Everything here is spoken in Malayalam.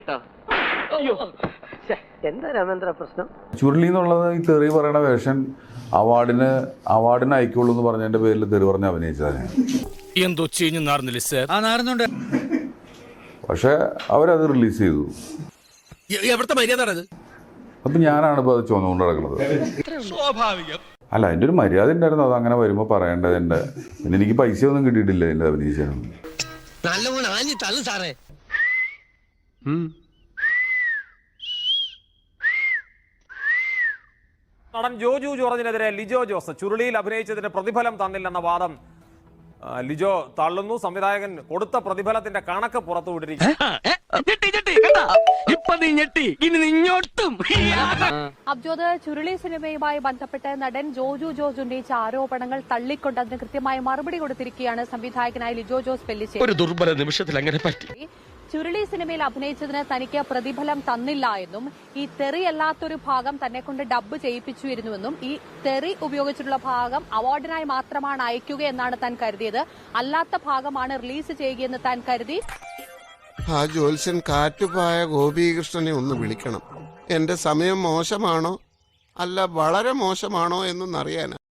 എന്താ രാമേന്ദ്ര പ്രശ്നം? ചുരുളി എന്നുള്ളത് ഈ തെറി പറയണ വേഷൻ അവാർഡിന് അയക്കുള്ളൂ എന്ന് പറഞ്ഞതിന്റെ പേരിൽ തെറി പറഞ്ഞ് അഭിനയിച്ചതാണ്. എന്തോ ചീഞ്ഞു നാർന്നില്ല സാർ? ആ നാർന്നുണ്ട്. പക്ഷെ അവരത് റിലീസ് ചെയ്തു. എവിടുത്തെ മര്യാദ? അപ്പൊ ഞാനാണ് ഇപ്പൊ അത് ചുമന്നുകൊണ്ട് നടക്കുന്നത്. സ്വാഭാവികം. അല്ല, അതിന്റെ ഒരു മര്യാദ ഉണ്ടായിരുന്നു. അത് അങ്ങനെ വരുമ്പോ പറയേണ്ടതിന്റെ. പിന്നെ എനിക്ക് പൈസ ഒന്നും കിട്ടിയിട്ടില്ല എന്റെ അഭിനയിച്ചാണ്. നടൻ ജോജു ജോർജിനെതിരെ ലിജോ ജോസ് ചുരുളിയിൽ അഭിനയിച്ചതിന് പ്രതിഫലം തന്നില്ലെന്ന വാദം ലിജോ തള്ളുന്നു. സംവിധായകൻ കൊടുത്ത പ്രതിഫലത്തിന്റെ കണക്ക് പുറത്തുവിട്ടിരിക്കുന്നു. അബ്ജോദ്, ചുരുളി സിനിമയുമായി ബന്ധപ്പെട്ട് നടൻ ജോജു ജോർജ് ഉന്നയിച്ച ആരോപണങ്ങൾ തള്ളിക്കൊണ്ട് അതിന് കൃത്യമായ മറുപടി കൊടുത്തിരിക്കുകയാണ് സംവിധായകനായ ലിജോ ജോസ് പെല്ലിശ്ശേരി. ഒരു ദുർബല നിമിഷത്തിൽ അങ്ങനെ പറ്റി. ചുരുളി സിനിമയിൽ അഭിനയിച്ചതിന് തനിക്ക് പ്രതിഫലം തന്നില്ല എന്നും ഈ തെറി അല്ലാത്തൊരു ഭാഗം തന്നെ കൊണ്ട് ഡബ്ബ് ചെയ്യിപ്പിച്ചിരുന്നുവെന്നും ഈ തെറി ഉപയോഗിച്ചിട്ടുള്ള ഭാഗം അവാർഡിനായി മാത്രമാണ് അയക്കുക എന്നാണ് താൻ കരുതിയത്, അല്ലാത്ത ഭാഗമാണ് റിലീസ് ചെയ്യുകയെന്ന് താൻ കരുതി. ആ ജ്യോത്സ്യൻ കാറ്റുപായ ഗോപീകൃഷ്ണനെ ഒന്ന് വിളിക്കണം. എന്റെ സമയം മോശമാണോ അല്ല വളരെ മോശമാണോ എന്നൊന്നറിയാനാ.